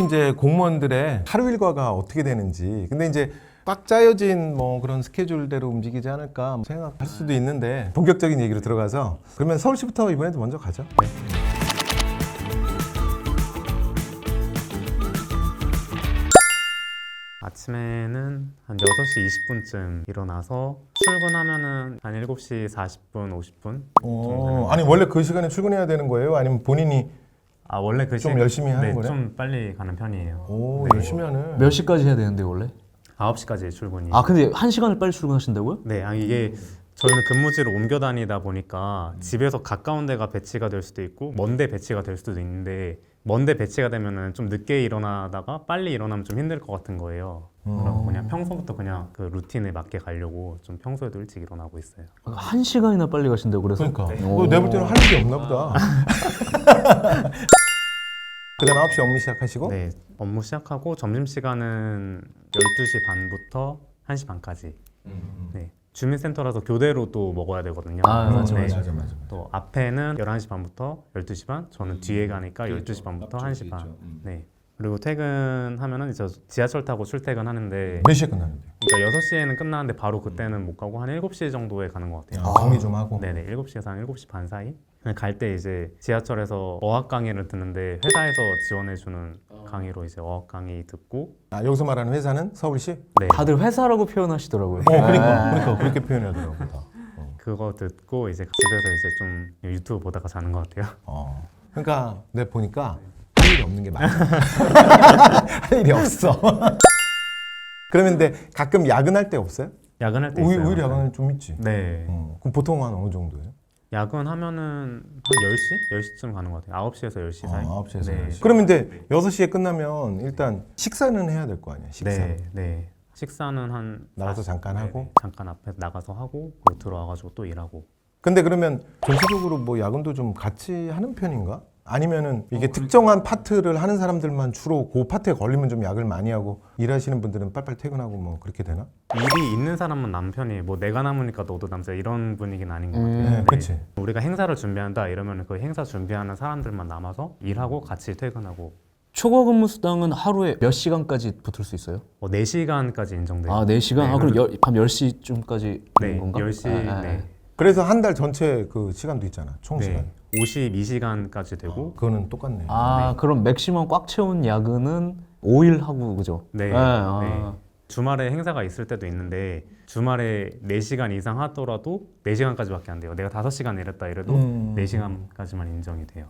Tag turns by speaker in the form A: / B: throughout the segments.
A: 이제 공무원들의 하루 일과가 어떻게 되는지, 근데 이제 딱 짜여진 뭐 그런 스케줄대로 움직이지 않을까 생각할 수도 있는데 본격적인 얘기로 들어가서 그러면 서울시부터 이번에도 먼저 가죠. 네.
B: 아침에는 한 6시 20분쯤 일어나서 출근하면은 한 7시 40분, 50분
A: 아니 원래 그 시간에 출근해야 되는 거예요? 아니면 본인이
B: 원래 그
A: 좀 열심히 하는
B: 네,
A: 거네?
B: 좀 빨리 가는 편이에요.
A: 오,
B: 네.
A: 열심히 하네.
C: 몇 시까지 해야 되는데 원래?
B: 9시까지 출근이.
C: 근데 1시간을 빨리 출근하신다고요?
B: 네, 이게 저희는 근무지를 옮겨 다니다 보니까 집에서 가까운 데가 배치가 될 수도 있고 먼 데 배치가 될 수도 있는데 먼 데 배치가 되면은 좀 늦게 일어나다가 빨리 일어나면 좀 힘들 것 같은 거예요. 그럼 그냥 평소부터 그냥 그 루틴에 맞게 가려고 좀 평소에도 일찍 일어나고 있어요.
C: 1시간이나 빨리 가신다고 그래서?
A: 그러니까
C: 네.
A: 내볼 때는 할 일이 없나 보다. 그다음 9시 업무 시작하시고
B: 네, 업무 시작하고 점심시간은 12시 반부터 1시 반까지. 네, 주민센터라서 교대로 또 먹어야 되거든요.
C: 맞아.
B: 또 앞에는 11시 반부터 12시 반, 저는 뒤에 가니까 12시 반부터 1시 반. 네. 그리고 퇴근하면은 이제 지하철 타고 출퇴근하는데
A: 몇 시에 끝나는데?
B: 그러니까 6시에는 끝나는데 바로 그때는 못 가고 한 7시 정도에 가는 것 같아요.
A: 정리 좀 하고.
B: 네네, 7시에서 한 7시 반 사이? 갈 때 이제 지하철에서 어학 강의를 듣는데 회사에서 지원해주는 강의로 이제 어학 강의 듣고
A: 여기서 말하는 회사는 서울시?
B: 네,
C: 다들 회사라고 표현하시더라고요.
A: 그러니까 그렇게 표현하더라고. 다.
B: 그거 듣고 이제 집에서 이제 좀 유튜브 보다가 자는 것 같아요.
A: 그러니까 내가 보니까 할 일이 없는 게 맞아. 할 일이 없어. 그러면 근데 가끔 야근할 때 없어요?
B: 야근할 때 있어요.
A: 오히려 야근은 좀 있지.
B: 네.
A: 그럼 보통 한 어느 정도예요?
B: 야근하면은 한 10시? 10시쯤 가는 것 같아요. 9시에서 10시 사이.
A: 9시에서
B: 네.
A: 10시. 그러면 근데 6시에 끝나면 일단 식사는 해야 될 거 아니야, 식사.
B: 네. 식사는 한
A: 나가서 잠깐 하고?
B: 네. 잠깐 앞에 나가서 하고 그리고 들어와가지고 또 일하고.
A: 근데 그러면 전체적으로 뭐 야근도 좀 같이 하는 편인가? 아니면은 이게 특정한 파트를 하는 사람들만 주로 그 파트에 걸리면 좀 야근을 많이 하고 일하시는 분들은 빨리빨리 퇴근하고 뭐 그렇게 되나?
B: 일이 있는 사람은 남편이 뭐 내가 남으니까 너도 남자 이런 분위기는 아닌 것 같아요.
A: 네, 그치.
B: 우리가 행사를 준비한다 이러면 그 행사 준비하는 사람들만 남아서 일하고 같이 퇴근하고.
C: 초과 근무 수당은 하루에 몇 시간까지 붙을 수 있어요?
B: 4시간까지 인정돼요.
C: 4시간?
B: 네,
C: 그럼 밤 10시쯤까지
B: 네,
C: 되는 건가?
B: 10시. 네.
A: 그래서 한 달 전체 그 시간도 있잖아, 총 시간.
B: 네. 52시간까지 되고.
A: 그거는 똑같네.
C: 그럼 맥시멈 꽉 채운 야근은 5일 하고 그죠?
B: 네. 네. 주말에 행사가 있을 때도 있는데 주말에 4시간 이상 하더라도 4시간까지밖에 안 돼요. 내가 5시간 일했다 이래도 4시간까지만 인정이 돼요.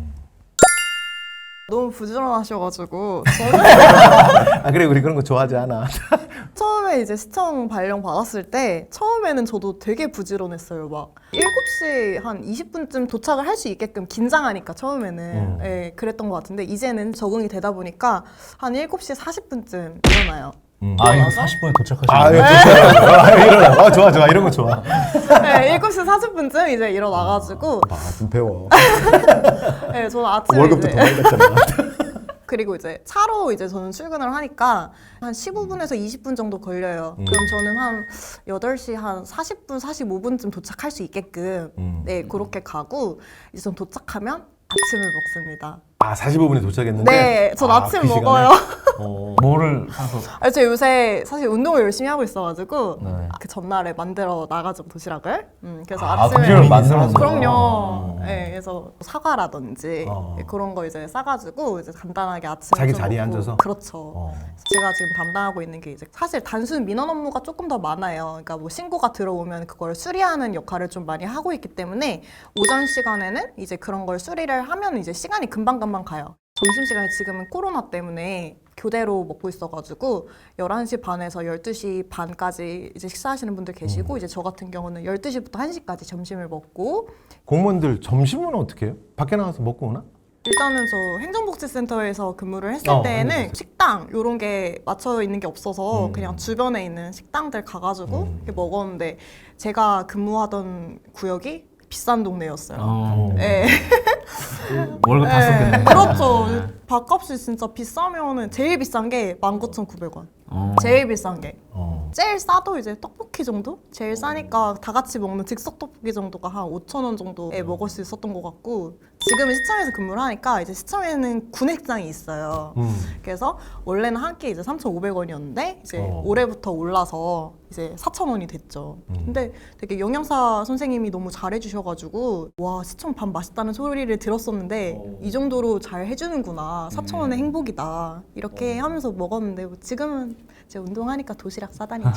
D: 너무 부지런하셔가지고
A: 그래, 우리 그런 거 좋아하지 않아.
D: 처음에 이제 시청 발령 받았을 때 처음에는 저도 되게 부지런했어요. 막 7시 한 20분쯤 도착을 할 수 있게끔 긴장하니까 처음에는 예, 그랬던 것 같은데 이제는 적응이 되다 보니까 한 7시 40분쯤 일어나요.
C: 이거 40분에 도착하시는
A: 예, 일어나. 좋아. 이런 거 좋아.
D: 네, 7시 40분쯤 이제 일어나가지고
A: 좀 배워.
D: 네, 저는 아침에
A: 월급도
D: 이제
A: 더 많이 받잖아.
D: 그리고 이제 차로 이제 저는 출근을 하니까 한 15분에서 20분 정도 걸려요. 그럼 저는 한 8시 한 40분, 45분쯤 도착할 수 있게끔 네, 그렇게 가고 이제 전 도착하면 아침을 먹습니다.
A: 45분에 도착했는데?
D: 네, 전 아침
A: 그 시간에?
D: 먹어요.
C: 뭐를 사서?
D: 제가 요새 사실 운동을 열심히 하고 있어가지고
C: 네.
D: 그 전날에 만들어 나가죠, 도시락을. 그래서
C: 도시락을
D: 아침에
C: 만들어서?
D: 그럼요. 네, 그래서 사과라든지
A: 어.
D: 그런 거 이제 싸가지고 이제 간단하게 아침에
A: 자기
D: 좀
A: 자리에
D: 먹고.
A: 앉아서?
D: 그렇죠. 제가 지금 담당하고 있는 게 이제 사실 단순 민원 업무가 조금 더 많아요. 그러니까 뭐 신고가 들어오면 그걸 수리하는 역할을 좀 많이 하고 있기 때문에 오전 시간에는 이제 그런 걸 수리를 하면 이제 시간이 금방금방 가요. 점심시간에 지금은 코로나 때문에 교대로 먹고 있어가지고 11시 반에서 12시 반까지 이제 식사하시는 분들 계시고 이제 저 같은 경우는 12시부터 1시까지 점심을 먹고
A: 공무원들 점심은 어떻게 해요? 밖에 나가서 먹고 오나?
D: 일단은 저 행정복지센터에서 근무를 했을 때는
A: 행정복지.
D: 식당 이런 게 맞춰 있는 게 없어서 그냥 주변에 있는 식당들 가가지고 이렇게 먹었는데 제가 근무하던 구역이 비싼 동네였어요. 네.
C: 월급 다 썼겠네.
D: 그렇죠. 밥값이 진짜 비싸면은 제일 비싼 게 19,900원. 제일 비싼 게. 제일 싸도 이제 떡볶이 정도? 제일 싸니까 다 같이 먹는 즉석 떡볶이 정도가 한 5,000원 정도에 먹을 수 있었던 것 같고 지금은 시청에서 근무를 하니까 이제 시청에는 구내식당이 있어요. 그래서 원래는 한 끼 이제 3,500원이었는데 이제 올해부터 올라서 이제 4,000원이 됐죠. 근데 되게 영양사 선생님이 너무 잘해주셔가지고 와 시청 밥 맛있다는 소리를 들었었는데 이 정도로 잘 해주는구나. 4,000원의 행복이다. 이렇게 하면서 먹었는데 뭐 지금은 이제 운동하니까 도시락 싸다니죠.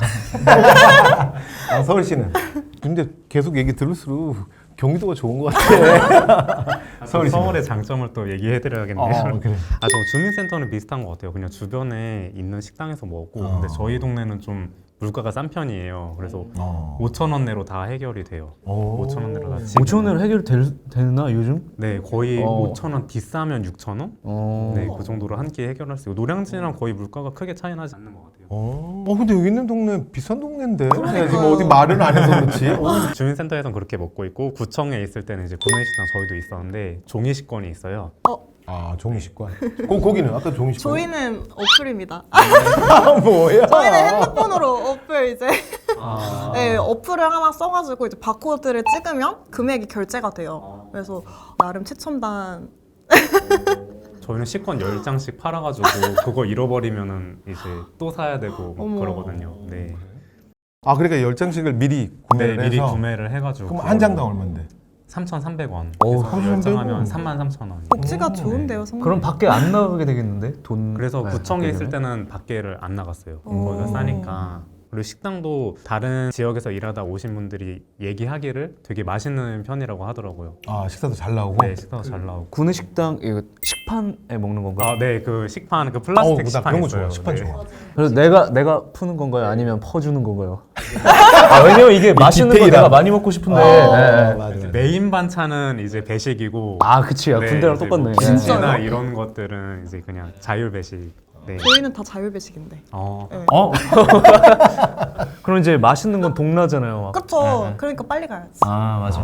A: 아, 서울시는. 근데 계속 얘기 들을수록 경기도가 좋은 것 같아.
B: 서울의 장점을 또 얘기해드려야겠네요.
A: 그래.
B: 저 주민센터는 비슷한 것 같아요. 그냥 주변에 있는 식당에서 먹고 근데 저희 동네는 좀 물가가 싼 편이에요. 그래서 5,000원 내로 다 해결이 돼요. 5,000원 내로 다.
C: 5,000원으로 해결되나 요즘?
B: 네, 거의 5,000원 비싸면 6,000원?
C: 어.
B: 네, 그 정도로 한 끼 해결할 수 있고 노량진이랑 거의 물가가 크게 차이 나지 않는 것 같아요.
A: 근데 여기 있는 동네 비싼 동네인데. 내가 지금 어디 말을 안 해서 그렇지.
B: 주민센터에서는 그렇게 먹고 있고 구청에 있을 때는 이제 구내식당 저희도 있었는데 종이식권이 있어요.
A: 아, 종이식권. 거기는 아까 종이식권.
D: 저희는 어플입니다.
A: 뭐야?
D: 저희는 핸드폰으로 어플 이제 네, 어플을 하나 써가지고 이제 바코드를 찍으면 금액이 결제가 돼요. 그래서 나름 최첨단.
B: 저희는 식권 10장씩 팔아가지고 그거 잃어버리면은 이제 또 사야 되고 막
D: 어머.
B: 그러거든요. 네.
A: 아, 그러니까 10장씩을 미리 구매를
B: 네, 미리
A: 해서.
B: 구매를 해가지고
A: 그럼 한 장당 얼마인데?
B: 3,300원.
C: 오,
B: 10장 하면 33,000원.
D: 복지가 좋은데요, 성능.
C: 그럼 밖에 안 나가게 되겠는데 돈.
B: 그래서
C: 네,
B: 구청에
C: 밖에
B: 있을
C: 되면?
B: 때는 밖에를 안 나갔어요.
D: 오.
B: 거기가 싸니까. 그리고 식당도 다른 지역에서 일하다 오신 분들이 얘기하기를 되게 맛있는 편이라고 하더라고요.
A: 아, 식사도 잘 나오고.
B: 네, 식당도 잘 나오고.
C: 구내식당 이거 식판에 먹는 건가요?
B: 네, 그 식판, 그 플라스틱
A: 나
B: 식판
A: 그런 거
B: 있어요.
A: 좋아. 식판
B: 네.
A: 좋아.
C: 그래서 내가 푸는 건가요? 아니면 퍼주는 건가요? 왜냐면 이게 맛있는 거
A: 디테일한.
C: 내가 많이 먹고 싶은데.
A: 맞아,
C: 네.
A: 맞아.
B: 메인 반찬은 이제 배식이고.
C: 아, 그치. 야,
B: 네,
C: 군대랑
B: 이제
C: 똑같네.
B: 뭐
C: 예.
B: 김치나 이런 것들은 이제 그냥 자율 배식. 네.
D: 저희는 다 자율배식인데.
B: 네.
C: 어? 그럼 이제 맛있는 건 동나잖아요. 막.
D: 그렇죠. 그러니까 빨리 가야지.
C: 아, 맞아.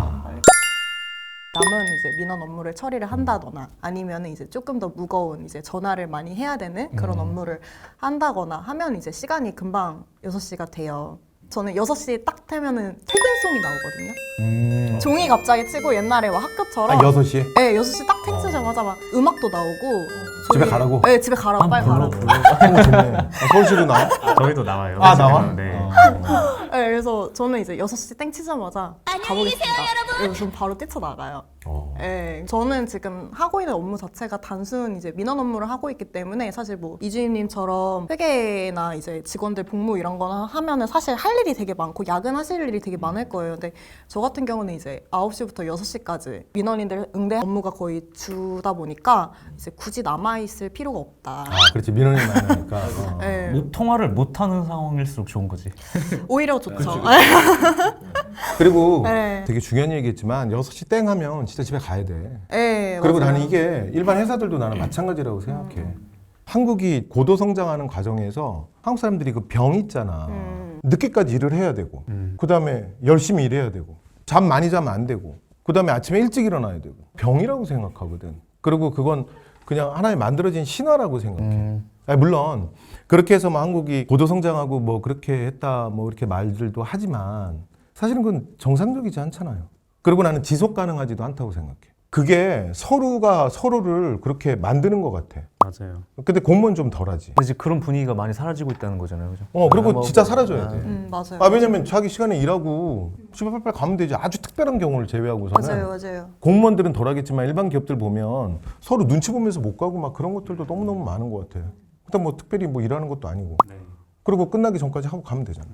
D: 남은 이제 민원 업무를 처리를 한다거나 아니면 이제 조금 더 무거운 이제 전화를 많이 해야 되는 그런 업무를 한다거나 하면 이제 시간이 금방 6시가 돼요. 저는 6시 딱 되면은 퇴근송이 나오거든요. 종이 갑자기 치고 옛날에 막 학교처럼
A: 6시?
D: 네, 6시 딱 퇴치자마자 막 음악도 나오고
A: 집에 가라고?
D: 네, 집에 가라고 빨리 가라고.
A: 좋네. 서울시도 나와?
B: 저희도 나와요.
A: 아, 나와?
B: 네.
D: 네, 그래서 저는 이제 6시 땡 치자마자 가보겠습니다. 그리고 전 바로 뛰쳐나가요. 네, 저는 지금 하고 있는 업무 자체가 단순 이제 민원 업무를 하고 있기 때문에 사실 뭐 이주임님처럼 회계나 이제 직원들 복무 이런 거나 하면은 사실 할 일이 되게 많고 야근하실 일이 되게 많을 거예요. 근데 저 같은 경우는 이제 9시부터 6시까지 민원인들 응대 업무가 거의 주다 보니까 이제 굳이 남아있을 필요가 없다.
A: 아, 그렇지. 민원이 많으니까.
D: 네,
C: 못 통화를 못 하는 상황일수록 좋은 거지.
D: 오히려 좋죠.
A: 그리고
D: 네.
A: 되게 중요한 얘기겠지만 6시 땡 하면 진짜 집에 가야 돼.
D: 네,
A: 그리고
D: 맞아요.
A: 나는 이게 일반 회사들도 나는 마찬가지라고 생각해. 한국이 고도 성장하는 과정에서 한국 사람들이 그 병 있잖아. 늦게까지 일을 해야 되고, 그 다음에 열심히 일해야 되고, 잠 많이 자면 안 되고, 그 다음에 아침에 일찍 일어나야 되고. 병이라고 생각하거든. 그리고 그건 그냥 하나의 만들어진 신화라고 생각해. 아니, 물론 그렇게 해서 뭐 한국이 고도 성장하고 뭐 그렇게 했다 뭐 이렇게 말들도 하지만 사실은 그건 정상적이지 않잖아요. 그리고 나는 지속 가능하지도 않다고 생각해. 그게 서로가 서로를 그렇게 만드는 것 같아.
B: 맞아요.
A: 근데 공무원 좀 덜하지.
C: 근데 이제 그런 분위기가 많이 사라지고 있다는 거잖아요, 그죠?
A: 그리고 진짜 사라져야 돼.
D: 맞아요.
A: 아, 왜냐면 자기 시간에 일하고 집에 빨리빨리 가면 되지. 아주 특별한 경우를 제외하고서는.
D: 맞아요.
A: 공무원들은 덜하겠지만 일반 기업들 보면 서로 눈치 보면서 못 가고 막 그런 것들도 너무너무 많은 것 같아. 일단 뭐 특별히 뭐 일하는 것도 아니고.
B: 네.
A: 그리고 끝나기 전까지 하고 가면 되잖아.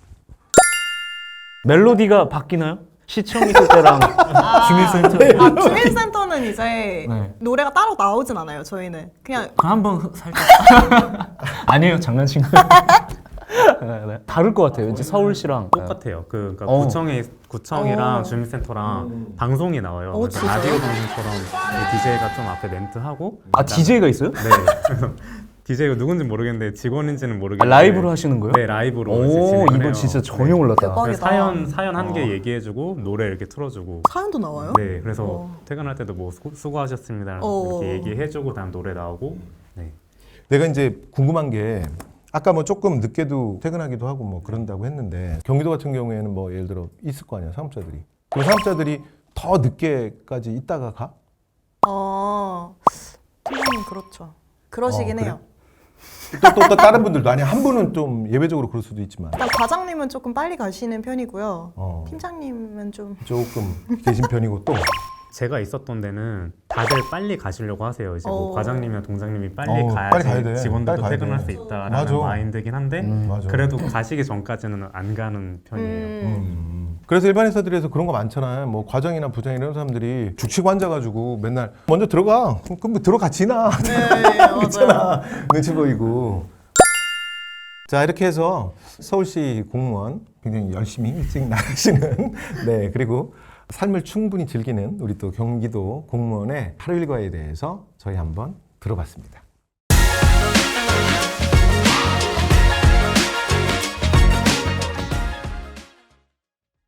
C: 멜로디가 바뀌나요? 시청 있을 때랑 주민센터.
D: 주민센터는 이제
C: 네.
D: 노래가 따로 나오진 않아요. 저희는 그냥
C: 그럼 한번 살짝. 아니에요, 장난친 거예요. 네, 네. 다를 것 같아요. 왠지 서울시랑.
B: 똑같아요. 그러니까 구청이랑 주민센터랑 방송이 나와요. 그러니까
D: 진짜요?
B: 라디오 방송처럼 DJ가 좀 앞에 멘트하고.
C: 아, DJ가 있어요?
B: 네. 그래서 DJ가 누군지 모르겠는데 직원인지는 모르겠는데.
C: 라이브로 하시는 거예요?
B: 네, 라이브로. 이제
C: 오,
B: 진행을
C: 이건
B: 해요.
C: 진짜 전혀
B: 네.
C: 몰랐다.
D: 대박.
B: 그래서 사연 한 개 얘기해주고 노래 이렇게 틀어주고.
D: 사연도 나와요?
B: 네, 그래서 퇴근할 때도 뭐 수고하셨습니다 이렇게 얘기해주고 다음 노래 나오고. 네.
A: 내가 이제 궁금한 게 아까 뭐 조금 늦게도 퇴근하기도 하고 뭐 그런다고 했는데 경기도 같은 경우에는 뭐 예를 들어 있을 거 아니야, 사업자들이. 그 사업자들이 더 늦게까지 있다가 가?
D: 팀장님 그렇죠. 그러시긴
A: 그래?
D: 해요.
A: 또 다른 분들도 아니 한 분은 좀 예외적으로 그럴 수도 있지만
D: 일단 과장님은 조금 빨리 가시는 편이고요.
A: 어,
D: 팀장님은 좀
A: 조금 계신 편이고 또
B: 제가 있었던 데는 다들 빨리 가시려고 하세요. 이제 뭐
D: 어.
B: 과장님이나 동장님이 빨리 가야지
A: 빨리 가야 돼.
B: 직원들도
A: 빨리 가야
B: 퇴근할
A: 돼.
B: 수 있다라는
A: 맞아.
B: 마인드긴 한데
A: 맞아.
B: 그래도 가시기 전까지는 안 가는 편이에요.
A: 그래서 일반 회사들에서 그런 거 많잖아요. 뭐 과장이나 부장 이런 사람들이 죽치고 앉아가지고 맨날 먼저 들어가. 그럼 뭐 들어가 지나.
D: 네, 맞아요.
A: 있잖아. 눈치 보이고. 자 이렇게 해서 서울시 공무원 굉장히 열심히 일찍 나가시는 네 그리고 삶을 충분히 즐기는 우리 또 경기도 공무원의 하루 일과에 대해서 저희 한번 들어봤습니다.